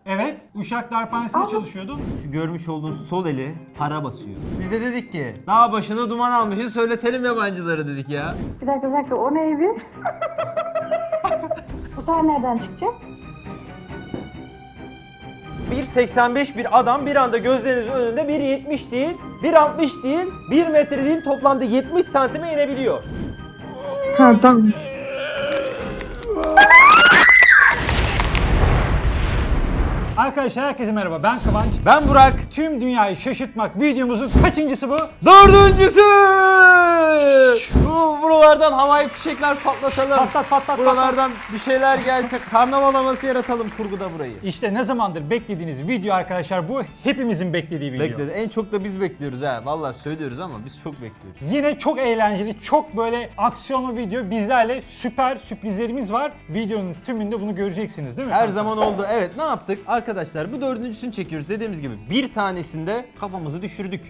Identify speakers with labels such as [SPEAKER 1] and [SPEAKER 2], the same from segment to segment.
[SPEAKER 1] Evet, Uşak Darphanesi'nde çalışıyordum.
[SPEAKER 2] Şu görmüş olduğunuz sol eli para basıyor. Biz de dedik ki dağ başına duman almışız, söyletelim yabancıları dedik ya.
[SPEAKER 3] Bir dakika o neydi? Bu sefer nereden çıkacak?
[SPEAKER 2] 1.85 bir adam bir anda gözlerinizin önünde 1.70 değil, 1.60 değil, 1 metre değil, toplamda 70 santime inebiliyor.
[SPEAKER 3] Ha tamam.
[SPEAKER 1] Arkadaşlar herkese merhaba, ben Kıvanç.
[SPEAKER 2] Ben Burak.
[SPEAKER 1] Tüm dünyayı şaşırtmak videomuzun kaçıncısı bu?
[SPEAKER 2] 4.'sü! Buralardan havai fişekler patlatalım.
[SPEAKER 1] Patlat.
[SPEAKER 2] Buralardan bir şeyler gelse, karnaval havası yaratalım kurguda burayı.
[SPEAKER 1] İşte ne zamandır beklediğiniz video arkadaşlar bu. Hepimizin beklediği video.
[SPEAKER 2] Bekledi. En çok da biz bekliyoruz ha. Vallahi söylüyoruz ama biz çok bekliyoruz.
[SPEAKER 1] Yine çok eğlenceli, çok böyle aksiyonlu video. Bizlerle süper sürprizlerimiz var. Videonun tümünde bunu göreceksiniz değil mi?
[SPEAKER 2] Her zaman oldu. Evet, ne yaptık? Arkadaşlar bu dördüncüsünü çekiyoruz. Dediğimiz gibi bir tanesinde kafamızı düşürdük.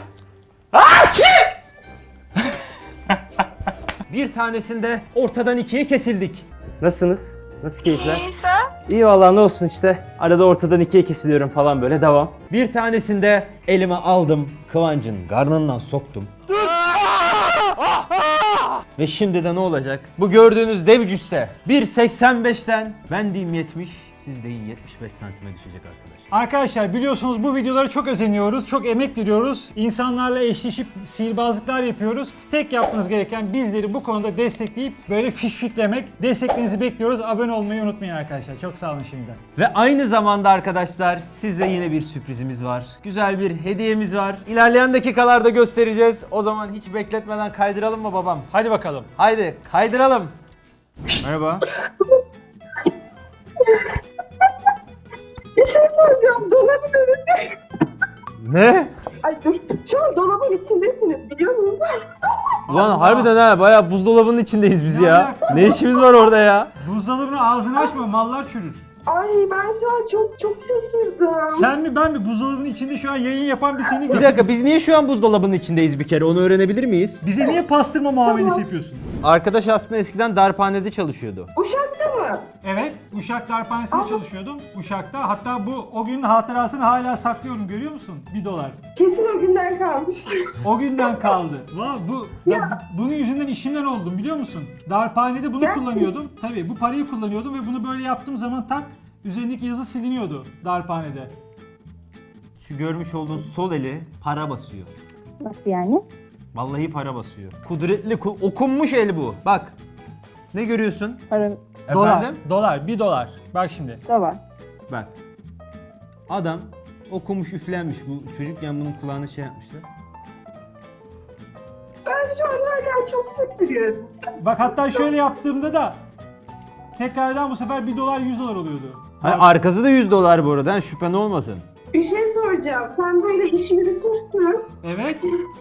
[SPEAKER 2] Bir tanesinde ortadan ikiye kesildik. Nasılsınız? Nasıl keyifler? İyi vallahi, ne olsun işte. Arada ortadan ikiye kesiliyorum falan, böyle devam. Bir tanesinde elime aldım, Kıvancın karnından soktum. Ve şimdi de ne olacak? Bu gördüğünüz dev cüsse 1.85'ten ben diyeyim 70, siz deyin 75 santime düşecek arkadaşlar.
[SPEAKER 1] Arkadaşlar biliyorsunuz bu videolara çok özeniyoruz, çok emek veriyoruz. İnsanlarla eşleşip sihirbazlıklar yapıyoruz. Tek yapmanız gereken bizleri bu konuda destekleyip böyle fişfiklemek. Desteklerinizi bekliyoruz. Abone olmayı unutmayın arkadaşlar. Çok sağ olun şimdiden.
[SPEAKER 2] Ve aynı zamanda arkadaşlar size yine bir sürprizimiz var. Güzel bir hediyemiz var. İlerleyen dakikalarda göstereceğiz. O zaman hiç bekletmeden kaydıralım mı babam?
[SPEAKER 1] Hadi bakalım.
[SPEAKER 2] Haydi kaydıralım. Merhaba.
[SPEAKER 3] Bir şey soracağım. Dolabın önünde.
[SPEAKER 2] Ne?
[SPEAKER 3] Ay dur. Şu an dolabın içindesiniz biliyor musunuz?
[SPEAKER 2] Ulan harbiden ha, bayağı buzdolabının içindeyiz biz ya.
[SPEAKER 1] alaka?
[SPEAKER 2] Ne işimiz var orada ya?
[SPEAKER 1] Buzdolabını ağzını açma, mallar çürür.
[SPEAKER 3] Ay ben şu an çok şaşırdım.
[SPEAKER 1] Sen mi ben mi buzdolabının içinde şu an yayın yapan bir seni
[SPEAKER 2] Bir
[SPEAKER 1] gördüm.
[SPEAKER 2] dakika, biz niye şu an buzdolabının içindeyiz bir kere, onu öğrenebilir miyiz?
[SPEAKER 1] Bize niye pastırma muamelesi yapıyorsun?
[SPEAKER 2] Arkadaş aslında eskiden darphanede çalışıyordu.
[SPEAKER 3] Uşak'ta mı?
[SPEAKER 1] Evet, Uşak Darphanesi'nde çalışıyordum. Uşak'ta. Hatta o günün hatırasını hala saklıyorum, görüyor musun? $1.
[SPEAKER 3] Kesin o günden kalmış.
[SPEAKER 1] O günden kaldı. Bunun yüzünden işimden oldum biliyor musun? Darphanede bunu
[SPEAKER 3] Gerçekten.
[SPEAKER 1] kullanıyordum. Tabii bu parayı kullanıyordum ve bunu böyle yaptığım zaman tak üzerindeki yazı siliniyordu darphanede.
[SPEAKER 2] Şu görmüş olduğunuz sol eli para basıyor.
[SPEAKER 3] Nasıl yani?
[SPEAKER 2] Vallahi para basıyor. Kudretli, okunmuş el bu. Bak. Ne görüyorsun?
[SPEAKER 3] Para
[SPEAKER 2] Efendim?
[SPEAKER 1] Dolar, $1. Bak şimdi.
[SPEAKER 3] da var.
[SPEAKER 2] Bak. Adam okumuş, üflenmiş. Bu çocukken bunun kulağına şey yapmışlar.
[SPEAKER 3] Ben şu an hala çok şaşırıyorum.
[SPEAKER 1] Bak hatta şöyle yaptığımda da tekrardan bu sefer $1 $100 oluyordu.
[SPEAKER 2] Hayır, arkası da $100 bu arada. Yani şüphen olmasın.
[SPEAKER 3] Bir şey soracağım. Sen böyle iş yürütürsün.
[SPEAKER 1] Evet.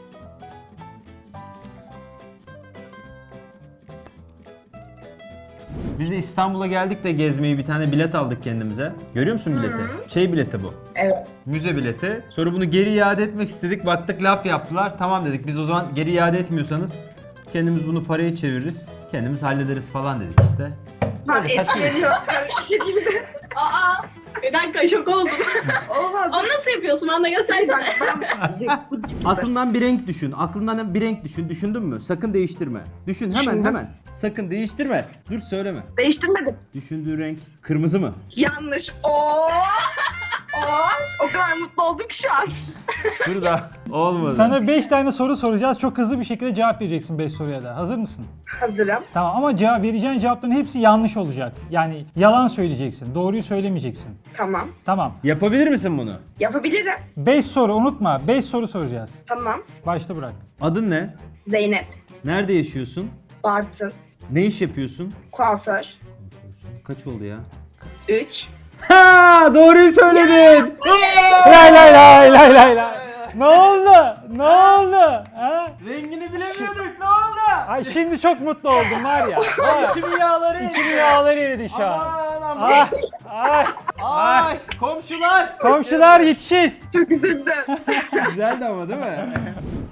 [SPEAKER 2] Biz de İstanbul'a geldik de gezmeyi, bir tane bilet aldık kendimize. Görüyor musun bileti? Şey bileti bu.
[SPEAKER 3] Evet.
[SPEAKER 2] Müze bileti. Sonra bunu geri iade etmek istedik. Baktık laf yaptılar. Tamam dedik. Biz o zaman geri iade etmiyorsanız kendimiz bunu paraya çeviririz. Kendimiz hallederiz falan dedik işte.
[SPEAKER 3] Ben
[SPEAKER 2] Böyle takılırız.
[SPEAKER 3] etkileniyor bir şekilde.
[SPEAKER 4] Aa, bir dakika şok oldum.
[SPEAKER 3] Olmaz.
[SPEAKER 4] Onu nasıl yapıyorsun? Bana da göstersene.
[SPEAKER 2] Aklından bir renk düşün. Aklından bir renk düşün. Düşündün mü? Sakın değiştirme. Düşün hemen
[SPEAKER 3] Düşündüm.
[SPEAKER 2] hemen. Sakın değiştirme. Dur söyleme.
[SPEAKER 3] Değiştirmedim.
[SPEAKER 2] Düşündüğün renk kırmızı mı?
[SPEAKER 3] Yanlış. Oo. O kadar mutlu oldum ki şu an.
[SPEAKER 2] Dur da olmadı.
[SPEAKER 1] Sana 5 tane soru soracağız. Çok hızlı bir şekilde cevap vereceksin 5 soruya da. Hazır mısın?
[SPEAKER 3] Hazırım.
[SPEAKER 1] Tamam ama vereceğin cevapların hepsi yanlış olacak. Yani yalan söyleyeceksin. Doğruyu söylemeyeceksin.
[SPEAKER 3] Tamam.
[SPEAKER 1] Tamam.
[SPEAKER 2] Yapabilir misin bunu?
[SPEAKER 3] Yapabilirim.
[SPEAKER 1] 5 soru unutma. 5 soru soracağız.
[SPEAKER 3] Tamam.
[SPEAKER 1] Başta bırak.
[SPEAKER 2] Adın ne?
[SPEAKER 3] Zeynep.
[SPEAKER 2] Nerede yaşıyorsun?
[SPEAKER 3] Bartın.
[SPEAKER 2] Ne iş yapıyorsun?
[SPEAKER 3] Kuaför.
[SPEAKER 2] Kaç oldu ya?
[SPEAKER 3] 3.
[SPEAKER 2] Ha, doğruyu söyledin.
[SPEAKER 1] Lay lay lay lay lay lay. Ne oldu? Ne oldu? Ha?
[SPEAKER 2] Rengini bilemiyorduk. Ne oldu?
[SPEAKER 1] Ay şimdi çok mutlu oldum var ya.
[SPEAKER 2] İçimin yağları.
[SPEAKER 1] İçimin yağları eridi şu an.
[SPEAKER 2] Aman aman.
[SPEAKER 1] Ay, ay.
[SPEAKER 2] Ay, komşular.
[SPEAKER 1] Komşular yetişin.
[SPEAKER 3] Çok üzüldüm.
[SPEAKER 2] Güzeldi ama değil mi?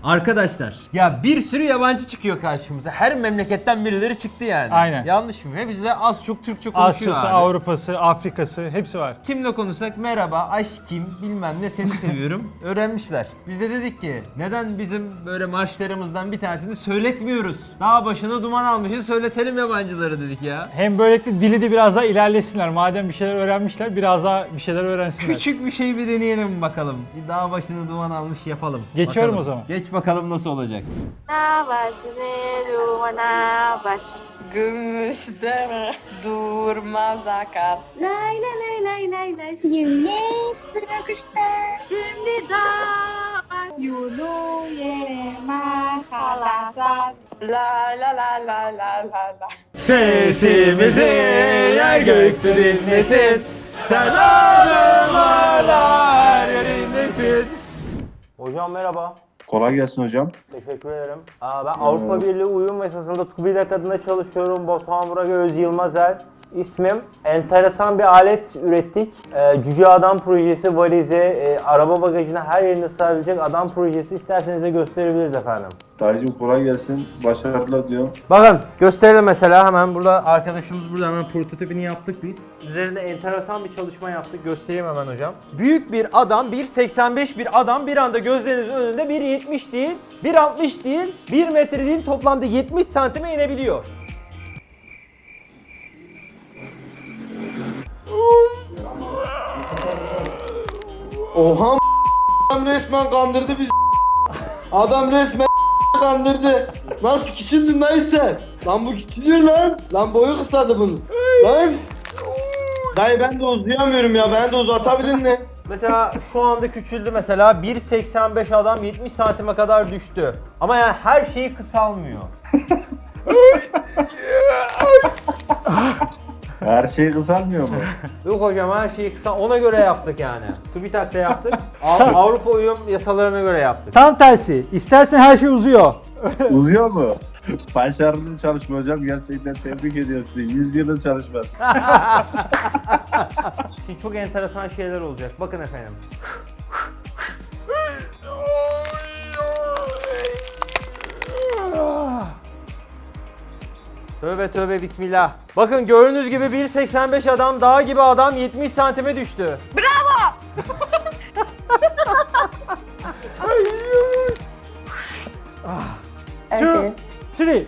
[SPEAKER 2] Arkadaşlar ya bir sürü yabancı çıkıyor karşımıza. Her memleketten birileri çıktı yani.
[SPEAKER 1] Aynen.
[SPEAKER 2] Yanlış mı? Hepsi de az çok Türkçe konuşuyor
[SPEAKER 1] Asya'sı,
[SPEAKER 2] abi.
[SPEAKER 1] Avrupa'sı, Afrika'sı hepsi var.
[SPEAKER 2] Kimle konuşsak merhaba, aşkım, bilmem ne, seni seviyorum öğrenmişler. Biz de dedik ki neden bizim böyle marşlarımızdan bir tanesini söyletmiyoruz? Dağ başına duman almışız, söyletelim yabancıları dedik ya.
[SPEAKER 1] Hem böylelikle dili de biraz daha ilerlesinler. Madem bir şeyler öğrenmişler biraz daha bir şeyler öğrensinler.
[SPEAKER 2] Küçük bir şey bir deneyelim bakalım. Bir dağ başına duman almış yapalım.
[SPEAKER 1] Geçiyorum
[SPEAKER 2] Bakalım.
[SPEAKER 1] o zaman.
[SPEAKER 2] Geç bakalım nasıl olacak.
[SPEAKER 3] Gümüş deme durmaz akar.
[SPEAKER 4] Lay lay lay lay lay lay. Güneş sıkıştı. Şimdi dağlar yolu yerime kalasar.
[SPEAKER 3] La la la la la la la.
[SPEAKER 2] Sesimizi yer göksü dinlesin. Selamım hala yerindesin. Hocam merhaba.
[SPEAKER 5] Kolay gelsin hocam.
[SPEAKER 2] Teşekkür ederim. Ben Avrupa Birliği uyum esasında TÜBİTAK adına çalışıyorum. Batuhan Burak Öz Yılmazer ismim. Enteresan bir alet ürettik. Cüce Adam projesi, valize, araba bagajına her yerine sığabilecek adam projesi. İsterseniz de gösterebiliriz efendim.
[SPEAKER 5] Dayıcım kolay gelsin. Başarılar diyorum.
[SPEAKER 2] Bakın gösterelim mesela hemen burada arkadaşımız burada hemen prototipini yaptık biz. Üzerinde enteresan bir çalışma yaptık. Göstereyim hemen hocam. Büyük bir adam, 1.85 bir adam bir anda gözlerinizin önünde 1.70 değil, 1.60 değil, 1 metre değil toplamda 70 santime inebiliyor.
[SPEAKER 5] Oha adam resmen kandırdı bizi. Adam resmen kandırdı. Nasıl küçüldün lan sen? Lan bu küçülüyor lan. Lan boyu kısadı bunun. Lan. Dayı ben de uzayamıyorum ya. Ben de uzatabilir mi?
[SPEAKER 2] Mesela şu anda küçüldü mesela 1.85 adam 70 santime kadar düştü. Ama yani her şeyi kısalmıyor.
[SPEAKER 5] Her şey kısalmıyor mu?
[SPEAKER 2] Yok hocam her şeyi kısa ona göre yaptık yani. TÜBİTAK'ta yaptık. Avrupa uyum yasalarına göre yaptık.
[SPEAKER 1] Tam tersi. İstersen her şey uzuyor.
[SPEAKER 5] Uzuyor mu? Başarılı çalışma hocam. Gerçekten tebrik ediyorum sizi. 100 yılın çalışması.
[SPEAKER 2] Şimdi çok enteresan şeyler olacak. Bakın efendim. Tövbe tövbe bismillah. Bakın gördüğünüz gibi 1.85 adam dağ gibi adam 70 santime düştü.
[SPEAKER 3] Bravo.
[SPEAKER 1] 2, 3.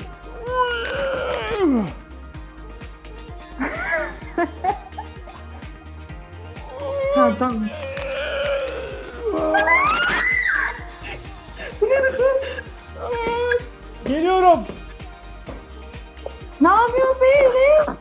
[SPEAKER 1] Geliyorum.
[SPEAKER 3] Ne yapıyorsun beyler?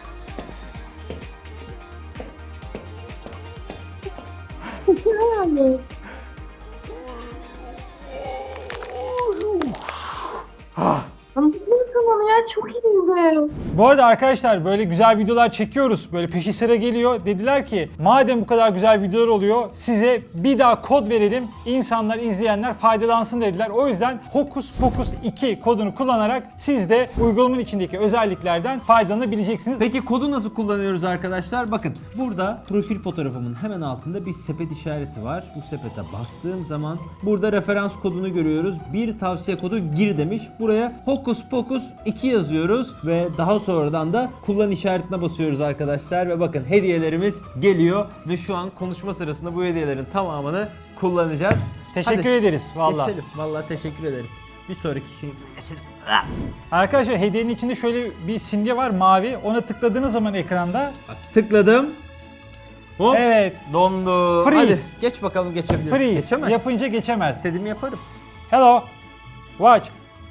[SPEAKER 4] Tamam ya çok iyiydi.
[SPEAKER 1] Bu arada arkadaşlar böyle güzel videolar çekiyoruz. Böyle peşi sıra geliyor. Dediler ki madem bu kadar güzel videolar oluyor size bir daha kod verelim. İnsanlar, izleyenler faydalansın dediler. O yüzden Hokus Pokus 2 kodunu kullanarak siz de uygulamanın içindeki özelliklerden faydalanabileceksiniz.
[SPEAKER 2] Peki kodu nasıl kullanıyoruz arkadaşlar? Bakın burada profil fotoğrafımın hemen altında bir sepet işareti var. Bu sepete bastığım zaman burada referans kodunu görüyoruz. Bir tavsiye kodu gir demiş. Buraya Hokus Pokus 2 yazıyoruz ve daha sonradan da kullan işaretine basıyoruz arkadaşlar ve bakın hediyelerimiz geliyor ve şu an konuşma sırasında bu hediyelerin tamamını kullanacağız.
[SPEAKER 1] Teşekkür
[SPEAKER 2] Hadi,
[SPEAKER 1] ederiz vallahi.
[SPEAKER 2] Geçelim. Vallahi teşekkür ederiz. Bir sonraki şey geçelim.
[SPEAKER 1] Arkadaşlar hediyenin içinde şöyle bir simge var mavi. Ona tıkladığınız zaman ekranda
[SPEAKER 2] Bak, tıkladım. Hop.
[SPEAKER 1] evet
[SPEAKER 2] Dondu.
[SPEAKER 1] Freeze.
[SPEAKER 2] Hadi geç bakalım geçebilir.
[SPEAKER 1] freeze
[SPEAKER 2] Geçemez.
[SPEAKER 1] yapınca geçemez.
[SPEAKER 2] İstediğimi yaparım.
[SPEAKER 1] Hello. Watch.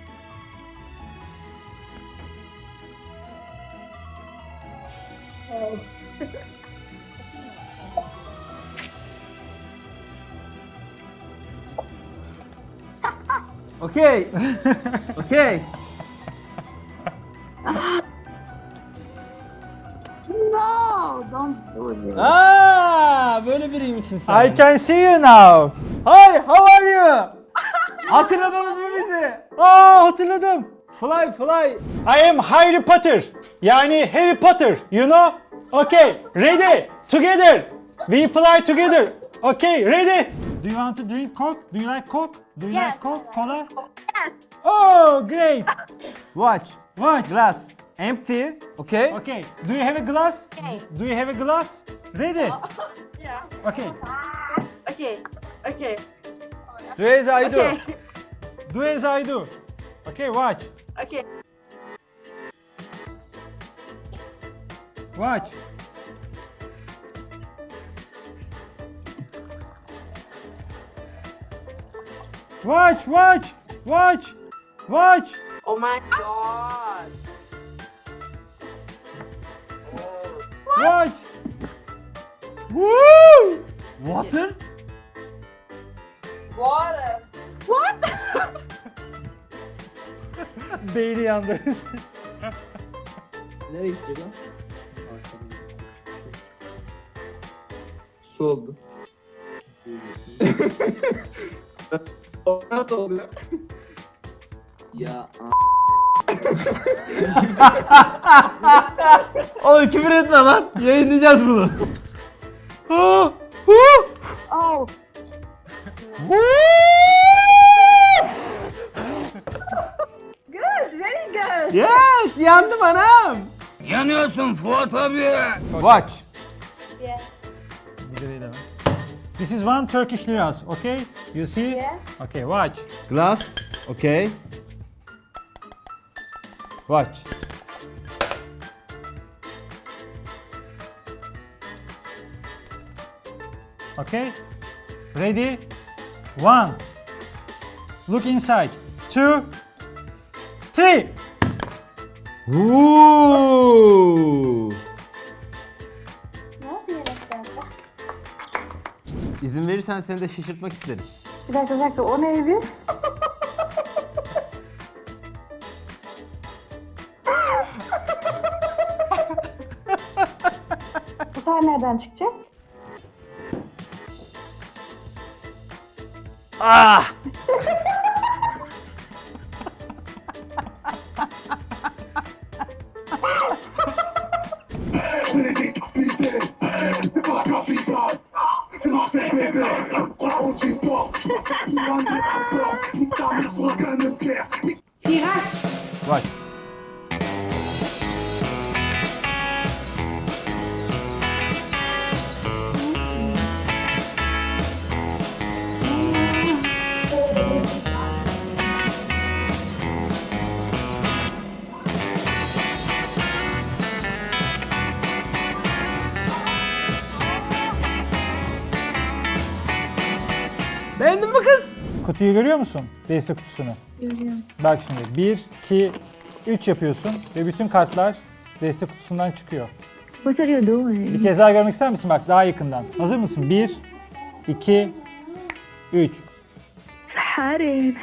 [SPEAKER 2] Okey. Okey.
[SPEAKER 3] No, don't do it.
[SPEAKER 2] Böyle biriymişsin sen.
[SPEAKER 1] I can see you now.
[SPEAKER 2] Hi, how are you? Hatırladınız mı bizi?
[SPEAKER 1] Hatırladım.
[SPEAKER 2] Fly, fly.
[SPEAKER 1] I am Harry Potter. Yani Harry Potter, you know? Okay, ready, together. We fly together. Okay, ready? Do you want to drink Coke? Do you like Coke? Do you
[SPEAKER 4] Yes.
[SPEAKER 1] like Coke? Cola?
[SPEAKER 4] Yes.
[SPEAKER 1] Oh, great.
[SPEAKER 2] Watch.
[SPEAKER 1] Watch.
[SPEAKER 2] Glass. Empty. Okay.
[SPEAKER 1] Okay. Do you have a glass?
[SPEAKER 4] Okay.
[SPEAKER 1] Do you have a glass? Ready?
[SPEAKER 3] Yeah.
[SPEAKER 1] Okay.
[SPEAKER 3] Okay. Okay.
[SPEAKER 2] Do as I do.
[SPEAKER 3] Okay.
[SPEAKER 1] Do as I do. Okay, watch.
[SPEAKER 3] Okay.
[SPEAKER 1] Watch. Watch, watch, watch, watch.
[SPEAKER 3] Oh my god.
[SPEAKER 1] Watch. Woo!
[SPEAKER 2] Water?
[SPEAKER 3] Water. What?
[SPEAKER 1] Beyni yandı.
[SPEAKER 5] Nereye gidecek lan? Su oldu. O nasıl oluyor? Ya
[SPEAKER 2] Oğlum küfür etme lan. Yayınlayacağız bunu.
[SPEAKER 4] Oh.
[SPEAKER 3] Good. Very good.
[SPEAKER 2] Yes, yandım anam.
[SPEAKER 6] Yanıyorsun Fuat abi.
[SPEAKER 2] Watch.
[SPEAKER 4] Yeah.
[SPEAKER 1] This is one Turkish liras, okay? You see?
[SPEAKER 4] Yeah.
[SPEAKER 1] Okay, watch.
[SPEAKER 2] Glass. Okay. Watch.
[SPEAKER 1] Okay? Ready? 1. Look inside. 2, 3.
[SPEAKER 2] Ooh.
[SPEAKER 4] Ne yapıyor sen?
[SPEAKER 2] İzin verirsen seni de şaşırtmak isteriz.
[SPEAKER 4] Bir dakika, o neydi? Bu sefer nereden çıkacak?
[SPEAKER 2] Ah! Watch. Beğendin mi kız?
[SPEAKER 1] Kutuyu görüyor musun? Destek kutusunu.
[SPEAKER 4] Görüyorum.
[SPEAKER 1] Bak şimdi 1, 2, 3 yapıyorsun ve bütün kartlar destek kutusundan çıkıyor.
[SPEAKER 4] What are you doing?
[SPEAKER 1] Bir kez daha görmek ister misin? Bak daha yakından. Hazır mısın? 1, 2, 3.
[SPEAKER 4] حارب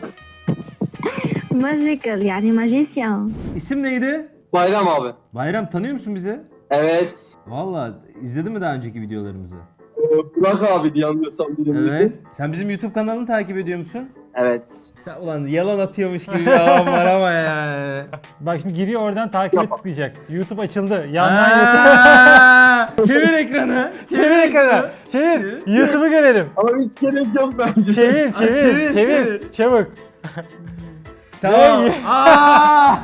[SPEAKER 4] ماجيكال يعني ماجيسيان.
[SPEAKER 2] İsim neydi?
[SPEAKER 5] Bayram abi.
[SPEAKER 2] Bayram, tanıyor musun bizi?
[SPEAKER 5] Evet.
[SPEAKER 2] Valla izledin mi daha önceki videolarımızı?
[SPEAKER 5] Burak abi diye anlıyorsam birim.
[SPEAKER 2] Evet. Sen bizim YouTube kanalını takip ediyor musun?
[SPEAKER 5] Evet.
[SPEAKER 2] Sen ulan yalan atıyormuş gibi bir havan var ama ya.
[SPEAKER 1] Bak şimdi giriyor oradan takibe tıklayacak. YouTube açıldı. Yandan YouTube.
[SPEAKER 2] Aa, çevir ekranı.
[SPEAKER 1] Çevir ekranı. Çevir. YouTube'u görelim.
[SPEAKER 5] Ama hiç gerek yok bence.
[SPEAKER 1] Çevir,
[SPEAKER 2] çevir,
[SPEAKER 1] çevir, çevir. Çabuk.
[SPEAKER 2] Tamam.
[SPEAKER 1] Ne?
[SPEAKER 2] Aa!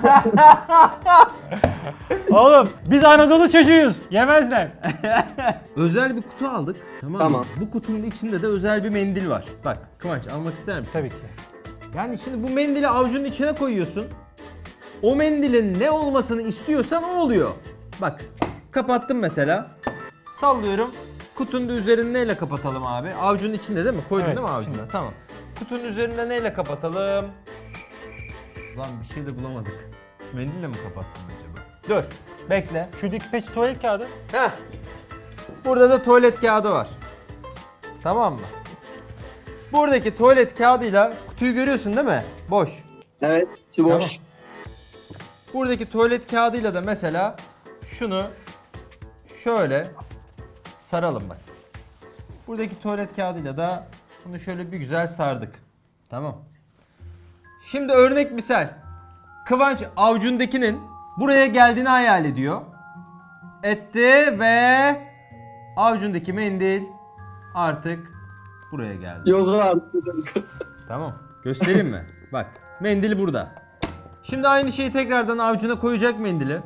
[SPEAKER 1] Oğlum biz Anadolu çocuğuyuz. Yemezler.
[SPEAKER 2] Özel bir kutu aldık. Tamam.
[SPEAKER 5] Tamam.
[SPEAKER 2] Bu kutunun içinde de özel bir mendil var. Bak Kıvanç, almak ister misin?
[SPEAKER 1] Tabii ki.
[SPEAKER 2] Yani şimdi bu mendili avucunun içine koyuyorsun. O mendilin ne olmasını istiyorsan o oluyor. Bak kapattım mesela. Sallıyorum. Kutunun da üzerini neyle kapatalım abi? Avucunun içinde değil mi? Koydun
[SPEAKER 1] Evet,
[SPEAKER 2] değil mi avucuna?
[SPEAKER 1] içinde.
[SPEAKER 2] Tamam. Kutunun üzerinde neyle kapatalım? Lan bir şey de bulamadık. Şu mendille mi kapatsın acaba? Dur. Bekle.
[SPEAKER 1] Şuradaki peç tuvalet kağıdı.
[SPEAKER 2] Heh. Burada da tuvalet kağıdı var. Tamam mı? Buradaki tuvalet kağıdıyla kutuyu görüyorsun değil mi? Boş.
[SPEAKER 5] Evet. Şu boş.
[SPEAKER 2] Tamam. Buradaki tuvalet kağıdıyla da mesela şunu şöyle saralım bak. Buradaki tuvalet kağıdıyla da bunu şöyle bir güzel sardık. Tamam. Şimdi örnek misal. Kıvanç avucundakinin buraya geldiğini hayal ediyor. Etti ve avucundaki mendil artık buraya geldi.
[SPEAKER 5] Yok artık.
[SPEAKER 2] Tamam. Göstereyim mi? Bak, mendil burada. Şimdi aynı şeyi tekrardan avucuna koyacak mendili.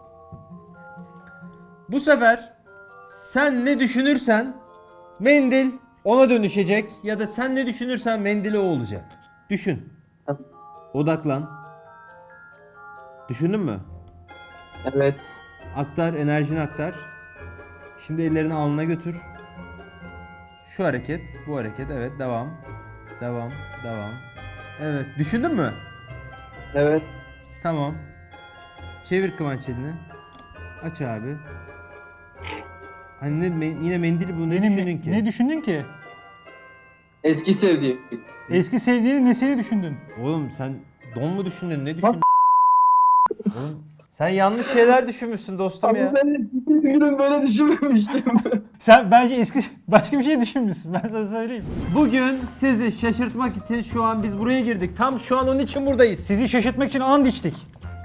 [SPEAKER 2] Bu sefer sen ne düşünürsen mendil ona dönüşecek ya da sen ne düşünürsen mendili o olacak. Düşün. Odaklan. Düşündün mü?
[SPEAKER 5] Evet.
[SPEAKER 2] Aktar, enerjini aktar. Şimdi ellerini alnına götür. Şu hareket, bu hareket. Evet, devam. Devam, devam. Evet, düşündün mü?
[SPEAKER 5] Evet.
[SPEAKER 2] Tamam. Çevir Kıvanç elini. Aç abi. Hani yine mendili bu ne düşündün ki?
[SPEAKER 1] Ne düşündün ki?
[SPEAKER 5] Eski sevdiğim.
[SPEAKER 1] Eski sevdiğini nesini düşündün?
[SPEAKER 2] Oğlum sen don mu düşündün? Ne düşündün? Oğlum sen yanlış şeyler düşünmüşsün dostum ya.
[SPEAKER 5] Ben bütün günüm böyle düşünmemiştim.
[SPEAKER 1] Sen bence başka bir şey düşünmüşsün. Ben sana söyleyeyim.
[SPEAKER 2] Bugün sizi şaşırtmak için şu an biz buraya girdik. Tam şu an onun için buradayız.
[SPEAKER 1] Sizi şaşırtmak için and içtik.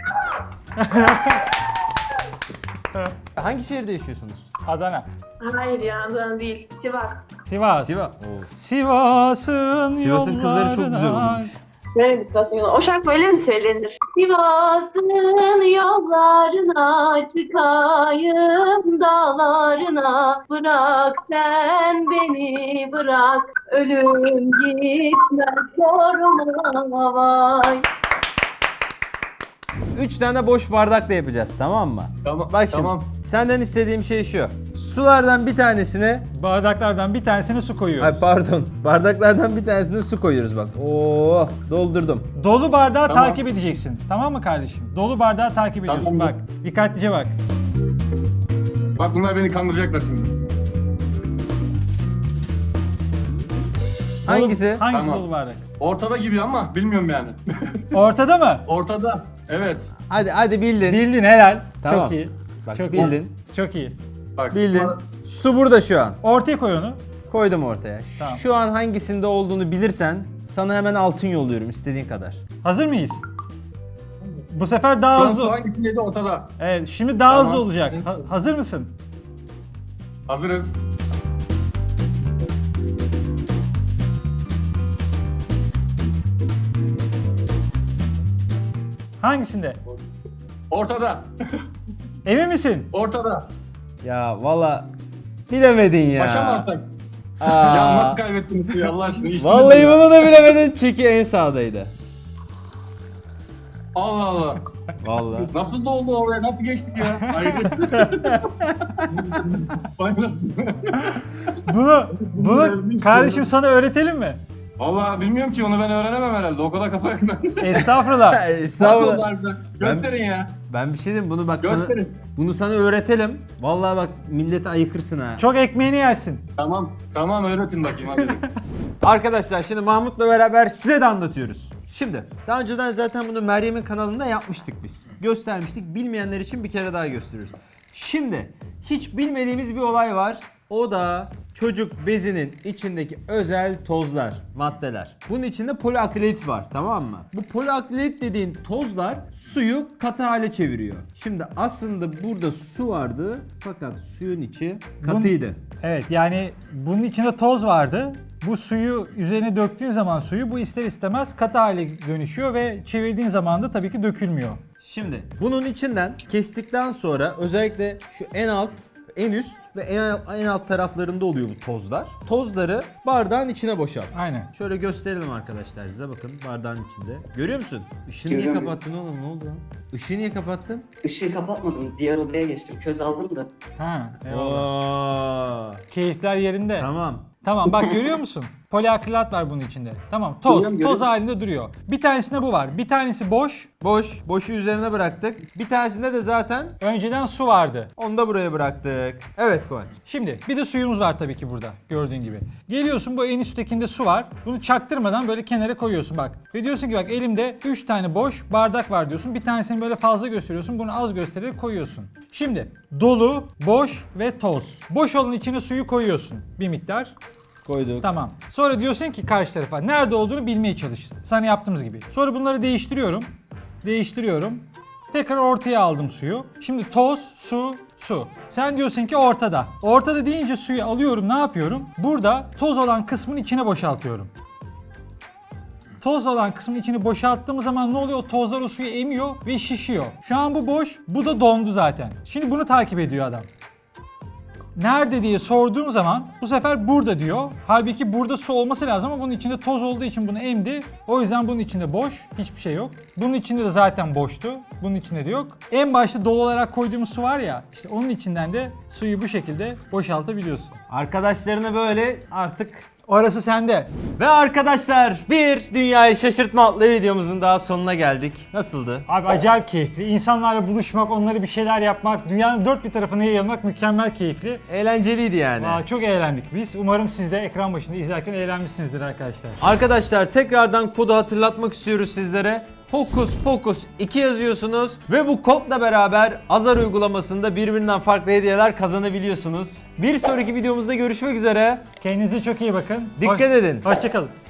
[SPEAKER 2] Hangi şehirde yaşıyorsunuz?
[SPEAKER 1] Adana.
[SPEAKER 3] Hayır ya Adana değil. Sivas.
[SPEAKER 1] Sivas.
[SPEAKER 2] Sivas.
[SPEAKER 1] Sivas'ın
[SPEAKER 2] Sivas'ın kızları çok güzel
[SPEAKER 1] yollarına-
[SPEAKER 2] olmuş.
[SPEAKER 3] Şöyle bir Sivas'ın yolu. O şarkı böyle mi söylenir? Sivas'ın yollarına çıkayım dağlarına. Bırak sen beni bırak. Ölüm gitmez sorma vay.
[SPEAKER 2] 3 tane boş bardakla yapacağız, tamam mı?
[SPEAKER 5] Tamam.
[SPEAKER 2] Bak şimdi
[SPEAKER 5] Tamam.
[SPEAKER 2] senden istediğim şey şu. Sulardan bir tanesine,
[SPEAKER 1] Bardaklardan bir tanesine su koyuyoruz.
[SPEAKER 2] ay pardon, bardaklardan bir tanesine su koyuyoruz bak. Oo, doldurdum.
[SPEAKER 1] Dolu bardağı
[SPEAKER 5] Tamam.
[SPEAKER 1] takip edeceksin. Tamam mı kardeşim? Dolu bardağı takip ediyorsun.
[SPEAKER 5] Tamam.
[SPEAKER 1] Bak. Dikkatlice bak.
[SPEAKER 7] Bak bunlar beni kandıracaklar şimdi.
[SPEAKER 2] Hangisi?
[SPEAKER 1] Hangisi
[SPEAKER 7] Tamam.
[SPEAKER 1] dolu bardak?
[SPEAKER 7] Ortada gibi ama bilmiyorum yani.
[SPEAKER 1] Ortada mı?
[SPEAKER 7] Ortada. Evet.
[SPEAKER 2] Hadi bildin.
[SPEAKER 1] Bildin helal.
[SPEAKER 2] Tamam.
[SPEAKER 1] Çok iyi.
[SPEAKER 2] Bak,
[SPEAKER 1] Çok
[SPEAKER 2] bildin.
[SPEAKER 1] iyi. Çok iyi.
[SPEAKER 7] Bak.
[SPEAKER 2] Bildin.
[SPEAKER 7] bunlar-
[SPEAKER 2] Su burada şu an.
[SPEAKER 1] Ortaya koy onu.
[SPEAKER 2] Koydum ortaya.
[SPEAKER 1] Tamam.
[SPEAKER 2] Şu an hangisinde olduğunu bilirsen sana hemen altın yolluyorum istediğin kadar.
[SPEAKER 1] Hazır mıyız? Bu sefer daha
[SPEAKER 7] Şu an
[SPEAKER 1] hızlı.
[SPEAKER 7] hangisindeydi ortada.
[SPEAKER 1] Evet, şimdi daha
[SPEAKER 7] Tamam.
[SPEAKER 1] hızlı olacak. Hazır mısın?
[SPEAKER 7] Hazırız.
[SPEAKER 1] Hangisinde?
[SPEAKER 7] Ortada.
[SPEAKER 1] Emin misin?
[SPEAKER 7] Ortada.
[SPEAKER 2] Ya valla bilemedin ya.
[SPEAKER 7] Başa mı atsak?
[SPEAKER 2] Aa.
[SPEAKER 7] Ya nasıl kaybettiniz ya Allah aşkına? Hiç
[SPEAKER 2] Vallahi
[SPEAKER 7] bilmiyorum.
[SPEAKER 2] bunu da bilemedin çünkü en sağdaydı.
[SPEAKER 7] Allah Allah.
[SPEAKER 2] Vallahi.
[SPEAKER 7] Nasıl doldu oraya? Nasıl geçtik ya? Hayret. Faydasın.
[SPEAKER 1] Bunu kardeşim sana öğretelim mi?
[SPEAKER 7] Valla bilmiyorum ki onu ben öğrenemem herhalde. O kadar kafa yok ben.
[SPEAKER 1] Estağfurullah.
[SPEAKER 7] Nasıl oldu
[SPEAKER 2] Estağfurullah.
[SPEAKER 7] harbiden? Gösterin ya.
[SPEAKER 2] Ben bir şey diyeyim bunu bak
[SPEAKER 7] Gösterin.
[SPEAKER 2] bunu sana öğretelim. Vallahi bak millete ayıkırsın ha.
[SPEAKER 1] Çok ekmeğini yersin.
[SPEAKER 7] Tamam. Tamam öğretin bakayım hadi.
[SPEAKER 2] Arkadaşlar şimdi Mahmut'la beraber size de anlatıyoruz. Şimdi daha önceden zaten bunu Meryem'in kanalında yapmıştık biz. Göstermiştik. Bilmeyenler için bir kere daha gösteriyoruz. Şimdi hiç bilmediğimiz bir olay var. O da çocuk bezinin içindeki özel tozlar, maddeler. Bunun içinde poliakrilit var, tamam mı? Bu poliakrilit dediğin tozlar suyu katı hale çeviriyor. Şimdi aslında burada su vardı fakat suyun içi katıydı.
[SPEAKER 1] Evet, yani bunun içinde toz vardı. Bu suyu üzerine döktüğün zaman suyu bu ister istemez katı hale dönüşüyor ve çevirdiğin zaman da tabii ki dökülmüyor.
[SPEAKER 2] Şimdi bunun içinden kestikten sonra özellikle şu en alt, en üst ve en alt taraflarında oluyor bu tozlar. Tozları bardağın içine boşalt.
[SPEAKER 1] Aynen.
[SPEAKER 2] Şöyle gösterelim arkadaşlar size, bakın bardağın içinde. Görüyor musun? Işığı niye
[SPEAKER 8] Görüyorum.
[SPEAKER 2] kapattın oğlum, ne oldu lan? Işığı niye kapattın?
[SPEAKER 8] Işığı kapatmadım. Diğer odaya geçtim. Köz aldım da.
[SPEAKER 1] Ha, eyvallah.
[SPEAKER 2] Oo,
[SPEAKER 1] Keyifler yerinde.
[SPEAKER 2] tamam.
[SPEAKER 1] Tamam, bak görüyor musun? Poliakrilat var bunun içinde. Tamam, toz.
[SPEAKER 8] Görüyorum,
[SPEAKER 1] Toz
[SPEAKER 8] görüyorum.
[SPEAKER 1] halinde duruyor. Bir tanesinde bu var. Bir tanesi boş.
[SPEAKER 2] Boşu üzerine bıraktık. Bir tanesinde de zaten
[SPEAKER 1] Önceden su vardı.
[SPEAKER 2] onu da buraya bıraktık. Evet Kıvanç.
[SPEAKER 1] Şimdi bir de suyumuz var tabii ki burada gördüğün gibi. Geliyorsun, bu en üsttekinde su var. Bunu çaktırmadan böyle kenara koyuyorsun bak. Ve diyorsun ki bak elimde 3 tane boş bardak var diyorsun. Bir tanesini böyle fazla gösteriyorsun. Bunu az göstererek koyuyorsun. Şimdi dolu, boş ve toz. Boş olan içine suyu koyuyorsun bir miktar.
[SPEAKER 2] Koyduk.
[SPEAKER 1] Tamam. Sonra diyorsun ki karşı tarafa nerede olduğunu bilmeye çalış. Sana yaptığımız gibi. Sonra bunları değiştiriyorum. Tekrar ortaya aldım suyu. Şimdi toz, su, su. Sen diyorsun ki ortada. Ortada deyince suyu alıyorum, ne yapıyorum? Burada toz olan kısmın içine boşaltıyorum. Toz olan kısmın içini boşalttığımız zaman ne oluyor? O tozlar o suyu emiyor ve şişiyor. Şu an bu boş, bu da dondu zaten. Şimdi bunu takip ediyor adam. Nerede diye sorduğum zaman bu sefer burada diyor. Halbuki burada su olması lazım ama bunun içinde toz olduğu için bunu emdi. O yüzden bunun içinde boş, hiçbir şey yok. Bunun içinde de zaten boştu. Bunun içinde de yok. En başta dolu olarak koyduğumuz su var ya, işte onun içinden de suyu bu şekilde boşaltabiliyorsun.
[SPEAKER 2] Arkadaşlarına böyle artık.
[SPEAKER 1] Orası sende.
[SPEAKER 2] Ve arkadaşlar bir dünyayı şaşırtma adlı videomuzun daha sonuna geldik. Nasıldı?
[SPEAKER 1] Abi acayip keyifli. İnsanlarla buluşmak, onlara bir şeyler yapmak, dünyanın dört bir tarafına yayılmak mükemmel keyifli.
[SPEAKER 2] Eğlenceliydi yani.
[SPEAKER 1] Aa, çok eğlendik biz. Umarım siz de ekran başında izlerken eğlenmişsinizdir arkadaşlar.
[SPEAKER 2] Arkadaşlar tekrardan kodu hatırlatmak istiyoruz sizlere. Hokus Pokus 2 yazıyorsunuz ve bu kodla beraber Azar uygulamasında birbirinden farklı hediyeler kazanabiliyorsunuz. Bir sonraki videomuzda görüşmek üzere.
[SPEAKER 1] Kendinize çok iyi bakın.
[SPEAKER 2] Dikkat edin.
[SPEAKER 1] Hoşçakalın.